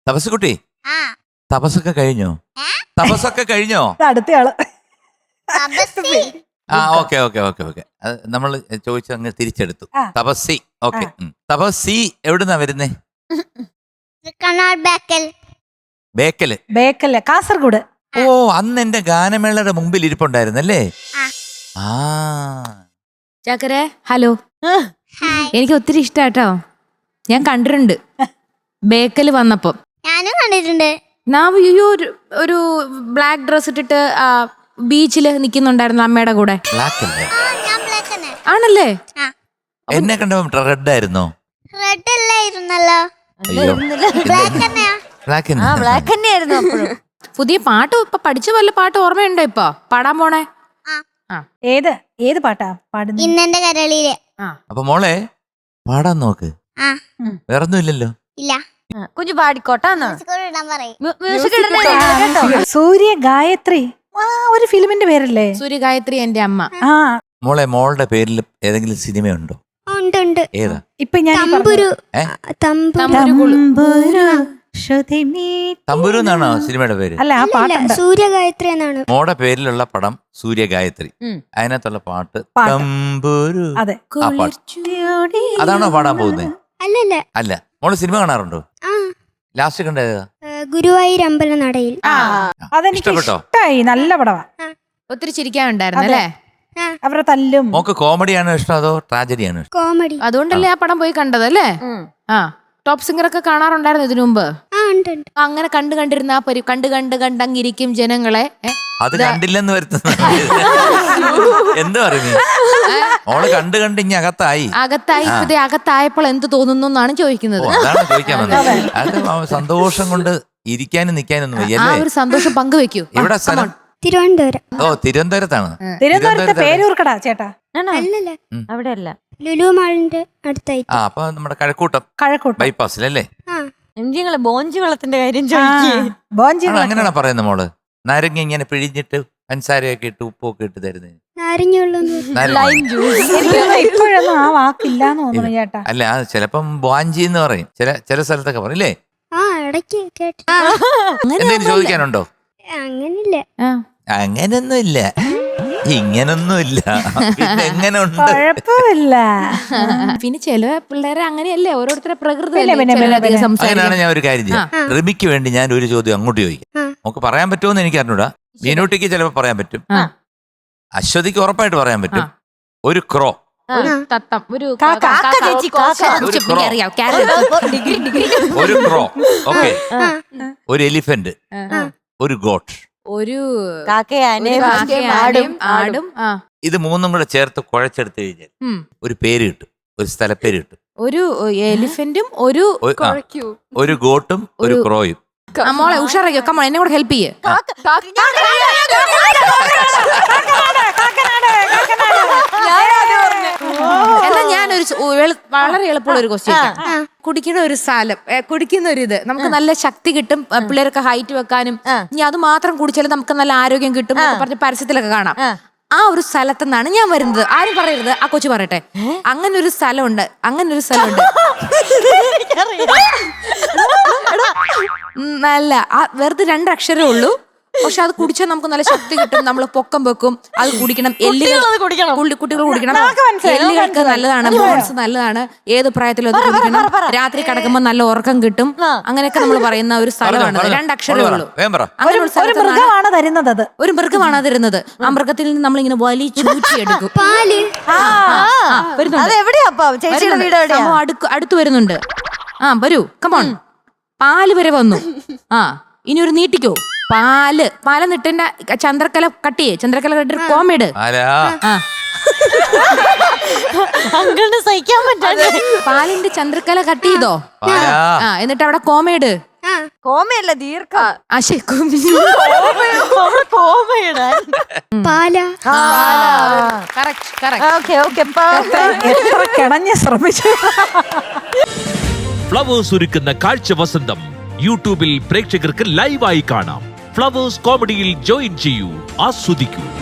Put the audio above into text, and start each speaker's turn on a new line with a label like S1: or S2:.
S1: തപസ്സുകുട്ടി,
S2: ആ
S1: തപസ്സൊക്കെ കഴിഞ്ഞോ? തപസ്സൊക്കെ കഴിഞ്ഞോ?
S3: അടുത്തയാള്
S2: തപസ്സി.
S1: ആ ഓക്കെ ഓക്കെ ഓക്കെ ഓക്കെ. നമ്മൾ ചോദിച്ചു അങ്ങ് തിരിച്ചെടുത്തു.
S3: ആ.
S1: തപസ്സി. ഓക്കെ. തപസ്സി എവിടുന്നാ വരുന്നേ?
S2: കണ്ണാർ ബേക്കൽ.
S1: ബേക്കല്.
S3: ബേക്കല്ല, കാസർഗോഡ്.
S1: ഓ, അന്ന് എന്റെ ഗാനമേളയുടെ മുമ്പിൽ ഇരിപ്പുണ്ടായിരുന്നല്ലേ?
S2: ആ.
S1: ആ
S4: ചാക്കരെ ഹലോ.
S2: ഹായ്.
S4: എനിക്ക് ഒത്തിരി ഇഷ്ടാട്ടോ. ഞാൻ കണ്ടിട്ടുണ്ട് ബേക്കല് വന്നപ്പം.
S2: ഞാനും കണ്ടിട്ടുണ്ട്.
S4: ഒരു ബ്ലാക്ക് ഡ്രസ് ഇട്ടിട്ട് ബീച്ചില് നിക്കുന്നുണ്ടായിരുന്നു അമ്മയുടെ കൂടെ.
S1: ബ്ലാക്ക് അല്ലേ?
S2: ഞാൻ ബ്ലാക്ക് തന്നെ.
S4: ആണല്ലേ?
S2: ആ
S1: എന്നെ കണ്ടപ്പോ റെഡ് ആയിരുന്നോ?
S2: റെഡ് അല്ലായിരുന്നല്ലോ.
S1: അയ്യോ,
S2: ബ്ലാക്ക് തന്നെയാ.
S1: ബ്ലാക്ക്
S5: ബ്ലാക്ക് തന്നെയായിരുന്നു അപ്പോഴും.
S4: പുതിയ പാട്ട് ഇപ്പൊ പഠിച്ച വല്ല പാട്ട് ഓർമ്മയുണ്ടോ ഇപ്പൊ പാടാൻ പോണേ?
S2: ആ.
S3: ഏത് പാട്ടാ പാടുന്നത്?
S2: ഇന്നെന്റെ കരളിയിലെ.
S1: അപ്പൊ മോളെ പാടാൻ നോക്ക്.
S2: ആ
S1: വേറൊന്നും ഇല്ലല്ലോ.
S2: ഇല്ല.
S5: കുഞ്ഞു പാടിക്കോട്ടാന്ന്
S2: സ്കൂളിൽ ഇടാൻ പറയും.
S5: മ്യൂസിക് കേട്ടോ.
S3: സൂര്യ ഗായത്രി. ആ, ഒരു ഫിലിമിന്റെ പേരല്ലേ?
S4: സൂര്യഗായത്രി എന്റെ അമ്മ.
S3: ആ,
S1: മോളെ, മോളുടെ പേരിൽ ഏതെങ്കിലും സിനിമയുണ്ടോ?
S2: ഉണ്ട് ഉണ്ട്.
S1: ഏതാ?
S3: ഇപ്പൊ ഞാൻ ഈ
S2: തമ്പുരു.
S1: ഏ?
S2: തമ്പുരു.
S1: തമ്പുരു എന്നാണോ സിനിമയുടെ പേര്?
S3: അല്ല, ആ പാട്ടുണ്ട്.
S2: സൂര്യഗായത്രി എന്നാണ്.
S1: മോടെ പേരിലുള്ള പടം സൂര്യഗായത്രി. അതിനകത്തുള്ള പാട്ട് തമ്പുരു.
S3: അതെ.
S1: ആ പാട്ട് അതാണോ പാടാൻ പോകുന്നത്?
S2: അല്ലല്ല.
S1: അല്ല. മോള് സിനിമ കാണാറുണ്ടോ?
S2: ആ
S1: ലാസ്റ്റ് കണ്ടത്
S2: ഗുരുവായൂർ അമ്പലനടയിൽ.
S3: അതെനിക്ക്
S1: ഇഷ്ടപ്പെട്ടോ?
S3: ഇഷ്ടായി. നല്ല പടവാ.
S4: ഒത്തിരി ചിരിക്കാനുണ്ടായിരുന്നു അല്ലേ?
S3: അവരുടെ തല്ലും.
S1: മോക്ക് കോമഡിയാണോ ഇഷ്ടം അതോ ട്രാജഡിയാണോ ഇഷ്ടം?
S2: കോമഡി.
S4: അതുകൊണ്ടല്ലേ ആ പടം പോയി കണ്ടത് അല്ലേ? ആ, ടോപ്പ് സിംഗർ ഒക്കെ കാണാറുണ്ടായിരുന്നു ഇതിനു മുമ്പ്.
S2: ആ ഉണ്ട് ഉണ്ട്.
S4: അങ്ങനെ കണ്ടിരുന്ന ആ കണ്ടങ്ങിരിക്കും ജനങ്ങളെ.
S1: അത് കണ്ടില്ലെന്ന് വരുത്തുന്നു. എന്ത് പറഞ്ഞു? മോള് കണ്ട് ഇനി അകത്തായി.
S4: അകത്തായപ്പോൾ എന്ത് തോന്നുന്നു എന്നാണ് ചോദിക്കുന്നത്.
S1: അതാണ് ചോദിക്കാൻ വന്നത്. അത് സന്തോഷം കൊണ്ട് ഇരിക്കാനും നിക്കാനൊന്നും
S4: ആ
S1: വയ്യല്ലേ?
S4: ഒരു സന്തോഷം പങ്കുവെക്കൂ.
S1: ഇവിടെ സ്ഥലം?
S2: തിരുവനന്തപുരം.
S1: ഓ, തിരുവനന്തപുരത്താണ്.
S3: തിരുവനന്തപുരത്തെ പേരൂർക്കടാ ചേട്ടാ.
S2: അല്ലല്ല,
S5: അവിടെ അല്ല,
S2: ലുലു മാളിന്റെ അടുത്തായിട്ട്.
S1: ആ, അപ്പൊ നമ്മുടെ കഴക്കൂട്ടം ബൈപ്പാസിലല്ലേ?
S2: ആ
S5: നിങ്ങള് ബോഞ്ചി വെള്ളത്തിന്റെ കാര്യം ചോദിക്കേ.
S1: അങ്ങനെയാണോ പറയുന്നത് മോള്? നാരങ്ങ ഇങ്ങനെ പിഴിഞ്ഞിട്ട് പഞ്ചസാരയൊക്കെ ഇട്ട് ഉപ്പൊക്കെ ഇട്ട് തരുന്നത്.
S3: ഇപ്പോഴൊന്നും ആ വാക്കില്ലാന്ന് തോന്നുന്നു ചേട്ടാ.
S1: അല്ല, അത് ചിലപ്പം ബോഞ്ചി എന്ന് പറയും. ചില സ്ഥലത്തൊക്കെ പറയും അല്ലേ?
S2: ആ ഇടയ്ക്ക് കേട്ടു.
S1: എന്തെങ്കിലും ചോദിക്കാനുണ്ടോ?
S2: അങ്ങനില്ല.
S1: അങ്ങനൊന്നുമില്ല, ഇങ്ങനൊന്നുമില്ല. പിന്നെ എങ്ങനെ ഉണ്ട്?
S3: കുഴപ്പമില്ല.
S4: പിന്നെ ചില പിള്ളേരെ അങ്ങനെയല്ലേ, ഓരോരുത്തരുടെ പ്രകൃതി.
S1: അങ്ങനെയാണ്. ഞാൻ ഒരു കാര്യം ചെയ്യാം. റിമിക്ക് വേണ്ടി ഞാൻ ഒരു ചോദ്യം അങ്ങോട്ട് ചോദിക്കാം. നമുക്ക് പറയാൻ പറ്റുമെന്ന് എനിക്ക് അറിഞ്ഞൂടാ. മീനൂട്ടിക്ക് ചിലപ്പോ പറയാൻ പറ്റും, അശ്വതിക്ക് ഉറപ്പായിട്ട് പറയാൻ പറ്റും. ഒരു ക്രോ,
S4: തത്തം, ഒരു
S1: ഒരു ക്രോ, ഓക്കെ, ഒരു എലിഫന്റ്, ഒരു ഗോട്ട്,
S4: ഒരു
S5: ആടും.
S1: ഇത് മൂന്നും കൂടെ ചേർത്ത് കുഴച്ചെടുത്ത് കഴിഞ്ഞാൽ ഒരു പേര് കിട്ടും, ഒരു സ്ഥലപ്പേര് കിട്ടും.
S4: ഒരു എലിഫന്റും
S1: ഒരു ഗോട്ടും ഒരു ക്രോയും.
S4: മോളെ ഉഷാറാക്കിയോ, കമ്മോ എന്നെ കൂടെ ഹെൽപ്പ് ചെയ്യേ. എന്നാ ഞാനൊരു വളരെ എളുപ്പമുള്ള ഒരു ക്വസ്റ്റ്യൻ. കുടിക്കുന്ന ഒരു സ്ഥലം, കുടിക്കുന്ന ഒരു ഇത് നമുക്ക് നല്ല ശക്തി കിട്ടും, പിള്ളേരൊക്കെ ഹൈറ്റ് വെക്കാനും. ഇനി അത് മാത്രം കുടിച്ചാലും നമുക്ക് നല്ല ആരോഗ്യം കിട്ടും പറഞ്ഞ പരസ്യത്തിലൊക്കെ കാണാം. ആ ഒരു സ്ഥലത്തു നിന്നാണ് ഞാൻ വരുന്നത്. ആരും പറയരുത്, ആ കൊച്ചു പറയട്ടെ. അങ്ങനെ ഒരു സ്ഥലമുണ്ട്. നല്ല വെറുതെ 2 അക്ഷരമേ ഉള്ളൂ. പക്ഷെ അത് കുടിച്ചാൽ നമുക്ക് നല്ല ശക്തി കിട്ടും, നമ്മൾ പൊക്കം വെക്കും. അത് കുടിക്കണം, കുട്ടികൾ കുടിക്കണം. എല്ലുകൾക്ക് നല്ലതാണ്, ബോൺസ് നല്ലതാണ്. ഏത് പ്രായത്തിലും അത് കുടിക്കണം. രാത്രി കിടക്കുമ്പോൾ നല്ല ഉറക്കം കിട്ടും. അങ്ങനെയൊക്കെ നമ്മൾ പറയുന്ന ഒരു സ്ഥലമാണ്. 2 അക്ഷരമേ ഉള്ളൂ. അങ്ങനെ ഒരു മൃഗമാണ് തരുന്നത്. ആ മൃഗത്തിൽ നിന്ന് നമ്മളിങ്ങനെ വലിച്ചൂറ്റിയെടുക്കും. അടുത്ത് വരുന്നുണ്ട്. വരൂ, കമോൺ. പാല് വരെ വന്നു. ഇനി ഒരു നീട്ടിക്കോ. പാലെന്നിട്ടെന്റെ ചന്ദ്രക്കല കട്ടിട്ട് കോമേട്.
S5: സഹിക്കാൻ പറ്റാതെ
S4: പാലിന്റെ ചന്ദ്രക്കല കട്ട് ചെയ്തോ. എന്നിട്ട് അവിടെ കോമേട്.
S5: കോമയല്ല, ദീർഘം.
S3: ശ്രമിച്ചു.
S6: ഫ്ലവേഴ്സ് ഒരുക്കുന്ന കാഴ്ച വസന്തം യൂട്യൂബിൽ പ്രേക്ഷകർക്ക് ലൈവായി കാണാം. ഫ്ലവേഴ്സ് കോമഡിയിൽ ജോയിൻ ചെയ്യൂ, ആസ്വദിക്കൂ.